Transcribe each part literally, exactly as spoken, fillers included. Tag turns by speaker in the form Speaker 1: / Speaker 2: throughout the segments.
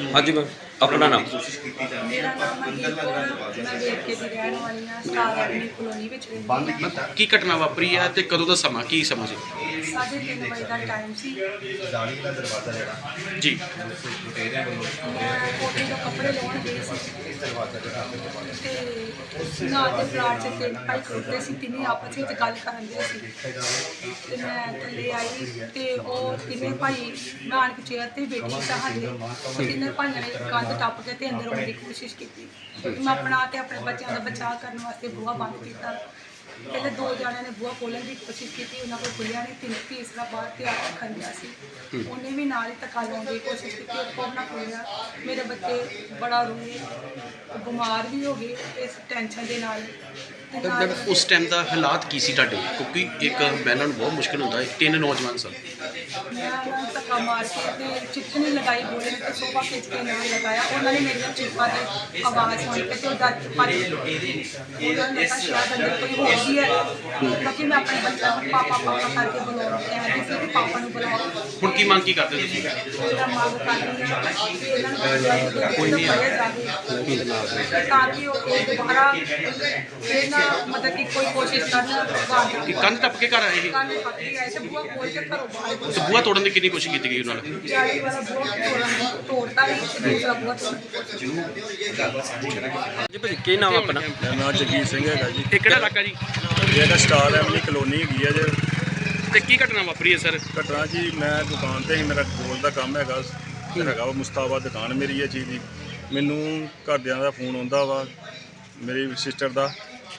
Speaker 1: हाँ जी मैम, अपना नाम।
Speaker 2: मेरा नाम मनदीप कौर है। मैं ਵੇਰਕੇ ਦੀ ਰਹਿਣ ਵਾਲੀ ਹਾਂ। ਸਟਾਰ ਐਵਨਿਊ ਕਲੋਨੀ ਵਿੱਚ ਰਹਿੰਦੀ ਹਾਂ।
Speaker 3: ਕੀ ਘਟਨਾ ਵਾਪਰੀ ਹੈ ਤੇ ਕਦੋਂ ਦਾ ਸਮਾਂ ਕੀ ਸਮਾਂ ਸੀ
Speaker 2: ਸਾਢੇ ਤਿੰਨ ਵਜੇ ਦਾ ਟਾਈਮ ਸੀ।
Speaker 3: ਜੀ?
Speaker 2: ਮੈਂ ਕੋਠੇ ਤੋਂ ਕੱਪੜੇ ਲਾਉਣ ਗਈ ਸੀ ਤੇ ਨਾਲ ਦੇ ਪਲਾਟ 'ਚ ਤਿੰਨ ਭਾਈ ਖੜੋਤੇ ਸੀ। ਤਿੰਨੇ ਆਪਸ ਵਿੱਚ ਗੱਲ ਕਰਨ ਦੇ ਸੀ ਤੇ ਮੈਂ ਥੱਲੇ ਆਈ ਤੇ ਉਹ ਤਿੰਨੇ ਭਾਈ ਮੈਂ ਆਣ ਕੇ ਚੇਅਰ 'ਤੇ ਬੈਠੀ ਸੀ। ਸਾਡੇ ਉਹ ਤਿੰਨੇ ਭਾਈਆਂ ਨੇ ਕੰਧ ਟੱਪ ਕੇ ਤੇ ਅੰਦਰ ਆਉਣ ਦੀ ਕੋਸ਼ਿਸ਼ ਕੀਤੀ। ਮੈਂ ਆਪਣਾ ਤੇ ਆਪਣੇ ਬੱਚਿਆਂ ਦਾ ਬਚਾਅ ਕਰਨ ਵਾਸਤੇ ਬੂਹਾ ਬੰਦ ਕੀਤਾ। ਪਹਿਲੇ ਦੋ ਜਣਿਆਂ ਨੇ ਬੂਹਾ ਖੋਲ੍ਹਣ ਦੀ ਕੋਸ਼ਿਸ਼ ਕੀਤੀ, ਉਹਨਾਂ ਕੋਲ ਖੁੱਲ੍ਹਿਆ ਨਹੀਂ। ਤਿੰਨ ਤੀਸਰਾ ਬਾਹਰ ਤਿਆਰ ਰੱਖਣ ਦਿਆ ਸੀ, ਉਹਨੇ ਵੀ ਨਾਲ ਹੀ ਧੱਕਾ ਲਾਉਣ ਦੀ ਕੋਸ਼ਿਸ਼ ਕੀਤੀ, ਉਹ ਕੋਲ ਨਾ ਖੋਲ੍ਹਿਆ। ਮੇਰੇ ਬੱਚੇ ਬੜਾ ਰੋਏ, ਬਿਮਾਰ ਵੀ ਹੋ ਗਏ ਇਸ ਟੈਨਸ਼ਨ ਦੇ ਨਾਲ। ਤੇ ਨਾਲ
Speaker 3: ਉਸ ਟਾਈਮ ਦਾ ਹਾਲਾਤ ਕੀ ਸੀ ਤੁਹਾਡੇ? ਕਿਉਂਕਿ ਇੱਕ ਬਹਿਣਾ ਨੂੰ ਬਹੁਤ ਮੁਸ਼ਕਿਲ ਹੁੰਦਾ ਹੈ, ਤਿੰਨ ਨੌਜਵਾਨ ਸਨ।
Speaker 2: ਮੈਂ ਉਹਨਾਂ ਨੂੰ ਧੱਕਾ ਮਾਰ ਕੇ ਤੇ ਚਿੱਠਣੀ ਲਗਾਈ ਬੋਲੇ ਤੇ ਸੋਫਾ ਖਿੱਚ ਕੇ ਨਾਲ ਲਗਾਇਆ। ਉਹਨਾਂ ਨੇ ਮੇਰੀਆਂ ਚੀਕਾਂ ਦੀ ਆਵਾਜ਼ ਸੁਣ ਕੇ ਤੇ ਉਹ ਡਰ ਕੇ ਭੱਜ ਗਏ। ਉਹਨਾਂ ਨੇ ਕਿਹਾ ਸ਼ਾਇਦ ਅੰਦਰ ਕੋਈ ਹੋਰ ਵੀ ਹੈ, ਕਿਉਂਕਿ ਮੈਂ ਆਪਣੇ ਬੱਚਿਆਂ ਨੂੰ ਪਾਪਾ ਪਾਪਾ ਕਰਕੇ ਬੁਲਾਉਣਾ ਕਹਿੰਦੀ ਸੀ ਕਿ ਪਾਪਾ ਨੂੰ ਬੁਲਾਓ।
Speaker 3: ਹੁਣ ਕੀ ਮੰਗ ਕੀ ਕਰਦੇ ਤੁਸੀਂ?
Speaker 2: ਮੇਰਾ ਮੰਗ ਕਰਦੀ ਹਾਂ ਕਿ ਇਹਨਾਂ ਨੂੰ ਕੋਈ ਨਹੀਂ ਫੜਿਆ ਜਾਵੇ ਤਾਂ ਕਿ ਉਹ ਇਹ ਦੁਬਾਰਾ ਫਿਰ ਨਾ ਮਤਲਬ ਕਿ ਕੋਈ ਕੋਸ਼ਿਸ਼ ਕਰਨ।
Speaker 3: ਕਿ ਕੰਧ ਟੱਪ ਕੇ ਘਰ ਆਏ ਸੀ?
Speaker 2: ਕੰਨ ਪੱਕ ਕੇ ਆਏ ਤੇ ਬੂਹਾ ਖੋਲ੍ਹ ਕੇ ਘਰੋਂ ਬਾਹਰ
Speaker 3: ਤੇ ਬੂਹਾ ਤੋੜਨ ਦੀ ਕਿੰਨੀ ਕੋਸ਼ਿਸ਼ ਕੀਤੀ ਗਈ ਉਹਨਾਂ ਨਾਲ?
Speaker 2: ਜਾਲੀ ਵਾਲਾ ਬੂਹਾ ਤੋੜਨ ਤੋੜਤਾ ਵੀ ਤੇ ਦੂਸਰਾ ਬੂਹਾ ਤੋੜਨ ਦੀ ਕੋਸ਼ਿਸ਼।
Speaker 1: जी भाजी की नाम अपना?
Speaker 4: ਮੇਰਾ ਨਾਮ ਜਗੀਰ ਸਿੰਘ ਹੈਗਾ ਜੀ।
Speaker 3: ਇਹ ਕਿਹੜਾ ਇਲਾਕਾ ਜੀ?
Speaker 4: ਇਹ ਹੈਗਾ ਸਟਾਰ ਐਵਨਿਊ ਕਲੋਨੀ ਹੈਗੀ ਆ ਜੇ।
Speaker 3: ਤੇ ਕੀ ਘਟਨਾ ਵਾਪਰੀ ਹੈ ਸਰ?
Speaker 4: ਘਟਨਾ ਜੀ, ਮੈਂ ਦੁਕਾਨ ਤੇ ਹੀ, ਮੇਰਾ ਗੋਲ ਦਾ ਕੰਮ ਹੈਗਾ ਹੈਗਾ ਵਾ ਮੁਸਤਾਬਾ ਦੁਕਾਨ ਮੇਰੀ ਹੈ ਚੀਜ਼ ਦੀ। ਮੈਨੂੰ ਘਰਦਿਆਂ ਦਾ ਫੋਨ ਆਉਂਦਾ ਵਾ, ਮੇਰੀ ਸਿਸਟਰ ਦਾ,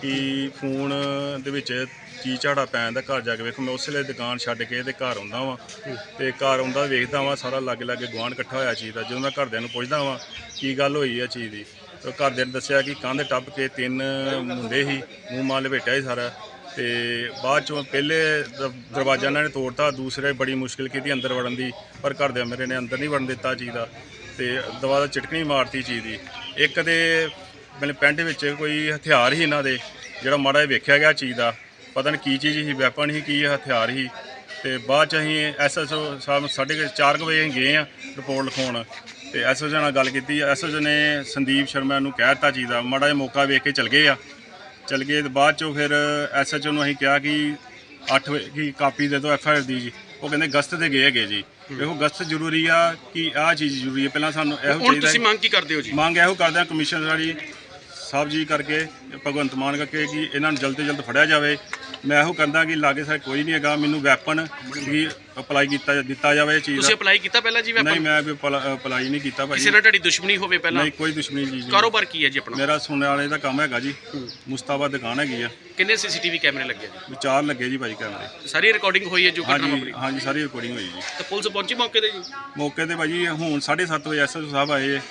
Speaker 4: ਕਿ ਫੋਨ ਦੇ ਵਿੱਚ ਚੀਜ਼ ਝਾੜਾ ਪੈਣ ਦਾ। ਘਰ ਜਾ ਕੇ ਵੇਖੋ, ਮੈਂ ਉਸ ਵੇਲੇ ਦੁਕਾਨ ਛੱਡ ਕੇ ਤੇ ਘਰ ਆਉਂਦਾ ਵਾਂ ਤੇ ਘਰ ਆਉਂਦਾ ਵੇਖਦਾ ਵਾਂ ਸਾਰਾ ਲਾਗੇ ਲਾਗੇ ਗੁਆਂਢ ਇਕੱਠਾ ਹੋਇਆ ਚੀਜ਼ ਦਾ। ਜਦੋਂ ਮੈਂ ਘਰਦਿਆਂ ਨੂੰ ਪੁੱਛਦਾ ਵਾਂ ਕੀ ਗੱਲ ਹੋਈ ਹੈ ਚੀਜ਼ ਦੀ, ਤਾਂ ਘਰਦਿਆਂ ਨੇ ਦੱਸਿਆ ਕਿ ਕੰਧ ਟੱਪ ਕੇ ਤਿੰਨ ਮੁੰਡੇ ਸੀ, ਮੂੰਹ ਮਾਲ ਲਪੇਟਿਆ ਸੀ ਸਾਰਾ। ਤੇ ਬਾਅਦ ਚੋਂ ਪਹਿਲੇ ਦ- ਦਰਵਾਜ਼ਾ ਇਹਨਾਂ ਨੇ ਤੋੜਤਾ, ਦੂਸਰੇ ਬੜੀ ਮੁਸ਼ਕਿਲ ਕੀਤੀ ਅੰਦਰ ਵੜਨ ਦੀ, ਪਰ ਘਰਦਿਆਂ ਮੇਰੇ ਨੇ ਅੰਦਰ ਨਹੀਂ ਵੜਨ ਦਿੱਤਾ ਚੀਜ਼ ਦਾ। ਤੇ ਦਵਾ ਦਾ ਚਟਕਣੀ ਮਾਰਤੀ ਚੀਜ਼ ਦੀ। ਇੱਕ ਦੇ ਮੇਰੇ ਪੈਂਟ ਵਿੱਚ ਕੋਈ ਹਥਿਆਰ ਸੀ ਇਹਨਾਂ ਦੇ, ਜਿਹੜਾ ਮਾੜਾ ਜਿਹਾ ਵੇਖਿਆ ਗਿਆ ਚੀਜ਼ ਦਾ, ਪਤਾ ਨਹੀਂ ਕੀ ਚੀਜ਼ ਸੀ, ਵੈਪਨ ਸੀ ਕੀ ਹਥਿਆਰ ਸੀ। ਤੇ ਬਾਅਦ 'ਚ ਅਸੀਂ ਐਸ ਐਸ ਓ ਸਾਹਿਬ ਸਾਢੇ ਚਾਰ ਕੁ ਵਜੇ ਅਸੀਂ ਗਏ ਹਾਂ ਰਿਪੋਰਟ ਲਿਖਾਉਣ ਤੇ ਐਸ ਐਸ ਓ ਨਾਲ ਗੱਲ ਕੀਤੀ। ਐਸ ਐਸ ਓ ਨੇ ਸੰਦੀਪ ਸ਼ਰਮਾ ਨੂੰ ਕਹਿ ਦਿੱਤਾ ਚੀਜ਼ ਦਾ, ਮਾੜਾ ਜਿਹਾ ਮੌਕਾ ਵੇਖ ਕੇ ਚਲ ਗਏ ਆ। ਚਲ ਗਏ ਤੇ ਬਾਅਦ 'ਚੋਂ ਫਿਰ ਐਸ ਐਚ ਓ ਨੂੰ ਅਸੀਂ ਕਿਹਾ ਕਿ ਅੱਠ ਵਜੇ ਕੀ ਕਾਪੀ ਦੇ ਦਿਓ ਐਫ ਆਈ ਆਰ ਦੀ ਜੀ। ਉਹ ਕਹਿੰਦੇ ਗਸਤ ਤੇ ਗਏ ਹੈਗੇ ਜੀ। ਇਹੋ ਗਸਤ ਜ਼ਰੂਰੀ ਆ ਕਿ ਆਹ ਚੀਜ਼ ਜ਼ਰੂਰੀ ਹੈ, ਪਹਿਲਾਂ ਸਾਨੂੰ ਇਹੋ
Speaker 3: ਹੁਣ
Speaker 4: ਚਾਹੀਦਾ।
Speaker 3: ਤੁਸੀਂ ਮੰਗ ਕੀ ਕਰਦੇ ਹੋ ਜੀ?
Speaker 4: ਮੰਗ ਇਹੋ ਕਰਦੇ ਹਾਂ ਕਮਿਸ਼ਨਰ ਜੀ ਸਾਹਿਬ ਜੀ ਕਰਕੇ, ਭਗਵੰਤ ਮਾਨ ਕਰਕੇ, ਕਿ ਇਹਨਾਂ ਨੂੰ ਜਲਦ ਤੋਂ ਜਲਦ ਫੜਿਆ ਜਾਵੇ। ਮੈਂ ਇਹੋ ਕਹਿੰਦਾ ਕਿ ਲਾਗੇ ਸਾਰੇ ਕੋਈ ਨਹੀਂ ਹੈਗਾ, ਮੈਨੂੰ ਵੈਪਨ ਵੀ ਅਪਲਾਈ ਕੀਤਾ ਦਿੱਤਾ ਜਾਵੇ ਇਹ ਚੀਜ਼
Speaker 3: ਤੁਸੀਂ
Speaker 4: ਦਾ।
Speaker 3: ਅਪਲਾਈ ਕੀਤਾ ਪਹਿਲਾਂ ਜੀ
Speaker 4: ਨਹੀਂ,
Speaker 3: ਵੈਪਨ?
Speaker 4: ਮੈਂ ਵੀ ਅਪਲਾਈ ਨਹੀਂ ਕੀਤਾ ਭਾਈ।
Speaker 3: ਕਿਸੇ ਨਾਲ ਤੁਹਾਡੀ ਦੁਸ਼ਮਣੀ ਹੋਵੇ ਪਹਿਲਾਂ?
Speaker 4: ਨਹੀਂ, ਕੋਈ ਦੁਸ਼ਮਣੀ ਜੀ ਜੀ।
Speaker 3: ਕਾਰੋਬਾਰ ਕੀ ਹੈ ਜੀ ਆਪਣਾ?
Speaker 4: ਮੇਰਾ ਸੁਣਨ ਵਾਲੇ ਦਾ ਕੰਮ ਹੈਗਾ ਜੀ, ਮੁਸਤਾਬਾ ਦੁਕਾਨ ਹੈਗੀ ਆ।
Speaker 3: ਕਿੰਨੇ ਸੀਸੀਟੀਵੀ ਕੈਮਰੇ ਲੱਗੇ ਜੀ?
Speaker 4: ਵੀ ਚਾਰ ਲੱਗੇ ਜੀ ਭਾਈ ਕੈਮਰੇ।
Speaker 3: ਸਾਰੀ ਰਿਕਾਰਡਿੰਗ ਹੋਈ ਹੈ ਜੋ ਘਟਨਾ
Speaker 4: ਹਾਂਜੀ
Speaker 3: ਵਾਪਰੀ?
Speaker 4: ਹਾਂਜੀ, ਸਾਰੀ ਰਿਕਾਰਡਿੰਗ ਹੋਈ ਜੀ।
Speaker 3: ਤੇ ਪੁਲਿਸ ਪਹੁੰਚੀ ਮੌਕੇ ਤੇ ਜੀ?
Speaker 4: ਮੌਕੇ ਤੇ ਭਾਜੀ ਹੁਣ ਸਾਢੇ ਸੱਤ ਵਜੇ ਐਸ ਐਸ ਓ ਸਾਹਿਬ ਆਏ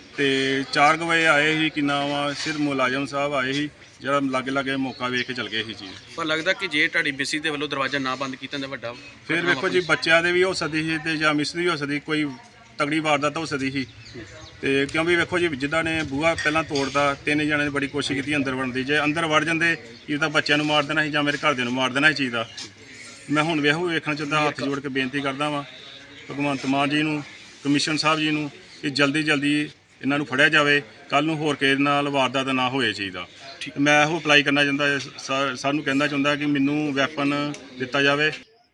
Speaker 4: ਤੇ ਚਾਰ ਕੁ ਵਜੇ ਆਏ ਸੀ ਕਿ ਨਾਮ ਆ ਸਿਰ ਮੁਲਾਜ਼ਮ ਸਾਹਿਬ ਆਏ ਸੀ, ਜਿਹੜਾ ਲਾਗੇ ਲਾਗੇ ਮੌਕਾ ਵੇਖ ਕੇ ਚਲ ਗਏ ਸੀ ਚੀਜ਼।
Speaker 3: ਪਰ ਲੱਗਦਾ ਕਿ ਜੇ ਤੁਹਾਡੀ ਮਿਸੀ ਦੇ ਵੱਲੋਂ ਦਰਵਾਜ਼ਾ ਨਾ ਬੰਦ ਕੀਤਾ ਤਾਂ ਵੱਡਾ
Speaker 4: ਫਿਰ ਵੇਖੋ ਜੀ, ਬੱਚਿਆਂ ਦੇ ਵੀ ਹੋ ਸਕਦੀ ਸੀ ਤੇ ਜਾਂ ਮਿਸ ਦੀ ਵੀ ਹੋ ਸਕਦੀ, ਕੋਈ ਤਗੜੀ ਵਾਰਦਾਤ ਹੋ ਸਕਦੀ ਸੀ। ਤੇ ਕਿਉਂਕਿ ਵੇਖੋ ਜੀ, ਜਿੱਦਾਂ ਨੇ ਬੂਹਾ ਪਹਿਲਾਂ ਤੋੜਦਾ, ਤਿੰਨ ਜਣਿਆਂ ਨੇ ਬੜੀ ਕੋਸ਼ਿਸ਼ ਕੀਤੀ ਅੰਦਰ ਵੜਨ ਦੀ। ਜੇ ਅੰਦਰ ਵੜ ਜਾਂਦੇ ਕੀ ਤਾਂ ਬੱਚਿਆਂ ਨੂੰ ਮਾਰ ਦੇਣਾ ਸੀ ਜਾਂ ਮੇਰੇ ਘਰਦਿਆਂ ਨੂੰ ਮਾਰ ਦੇਣਾ ਸੀ ਚੀਜ਼ ਦਾ। ਮੈਂ ਹੁਣ ਵੇਖੋ ਵੇਖਣਾ ਚਾਹੁੰਦਾ, ਹੱਥ ਜੋੜ ਕੇ ਬੇਨਤੀ ਕਰਦਾ ਵਾਂ ਭਗਵੰਤ ਮਾਨ ਜੀ ਨੂੰ, ਕਮਿਸ਼ਨ ਸਾਹਿਬ ਜੀ ਨੂੰ, ਕਿ ਜਲਦੀ ਜਲਦੀ ਇਹਨਾਂ ਨੂੰ ਫੜਿਆ ਜਾਵੇ। ਕੱਲ੍ਹ ਨੂੰ ਹੋਰ ਕਿਸੇ ਨਾਲ ਵਾਰਦਾਤ ਨਾ ਹੋਏ ਚੀਜ਼ ਦਾ। ਮੈਂ ਇਹੋ ਅਪਲਾਈ ਕਰਨਾ ਚਾਹੁੰਦਾ, ਸਾ- ਸਾਨੂੰ ਕਹਿੰਦਾ ਚਾਹੁੰਦਾ ਕਿ ਮੈਨੂੰ ਵੈਪਨ ਦਿੱਤਾ ਜਾਵੇ।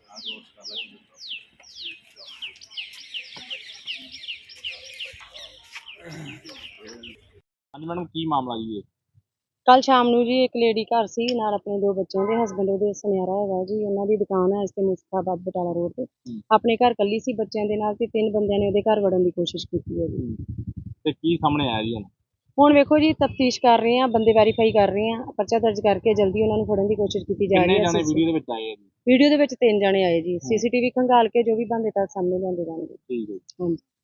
Speaker 5: ਹਾਂਜੀ ਮੈਡਮ, ਕੀ ਮਾਮਲਾ ਜੀ ਇਹ?
Speaker 6: ਕੱਲ ਸ਼ਾਮ ਨੂੰ ਜੀ ਇੱਕ ਲੇਡੀ ਘਰ ਸੀ ਨਾਲ ਆਪਣੇ ਦੋ ਬੱਚਿਆਂ ਦੇ, ਹਸਬੈਂਡ ਉਹਦੇ ਸੁਨਿਆਰਾ ਹੈਗਾ ਜੀ। ਉਹਨਾਂ ਦੀ ਦੁਕਾਨ ਹੈ ਇਸ ਤੇ ਮੁਸਤਾਬਾਦ ਬਟਾਲਾ ਰੋਡ ਤੇ। ਆਪਣੇ ਘਰ ਕੱਲੀ ਸੀ ਬੱਚਿਆਂ ਦੇ ਨਾਲ ਤੇ ਤਿੰਨ ਬੰਦਿਆਂ ਨੇ ਉਹਦੇ ਘਰ ਵੜਨ ਦੀ ਕੋਸ਼ਿਸ਼ ਕੀਤੀ ਹੈ ਜੀ।
Speaker 5: ਤੇ ਕੀ ਸਾਹਮਣੇ ਆਇਆ ਜੀ ਹੁਣ?
Speaker 6: ਹੁਣ ਵੇਖੋ ਜੀ, ਤਫਤੀਸ਼ ਕਰ ਰਹੇ ਆ, ਬੰਦੇ ਵੈਰੀਫਾਈ ਕਰ ਰਹੇ ਆ, ਪਰਚਾ ਦਰਜ ਕਰਕੇ ਜਲਦੀ ਉਹਨਾਂ ਨੂੰ ਫੜਨ ਦੀ ਕੋਸ਼ਿਸ਼ ਕੀਤੀ ਜਾ
Speaker 5: ਕਿੰਨੇ
Speaker 6: ਰਹੀ
Speaker 5: ਜਾਣੇ
Speaker 6: ਹੈ।
Speaker 5: ਵੀਡੀਓ ਦੇ ਵਿੱਚ ਆਏ ਆ ਜੀ?
Speaker 6: ਵੀਡੀਓ ਦੇ ਵਿੱਚ ਤਿੰਨ ਜਣੇ ਆਏ ਜੀ। ਸੀਸੀਟੀਵੀ ਖੰਗਾਲ ਕੇ ਜੋ ਵੀ ਬੰਦੇ ਤਾਂ ਸਾਹਮਣੇ ਲਿਆਂਦੇ ਜਾਣਗੇ।
Speaker 5: ਠੀਕ ਹੈ।
Speaker 6: ਹਾਂਜੀ।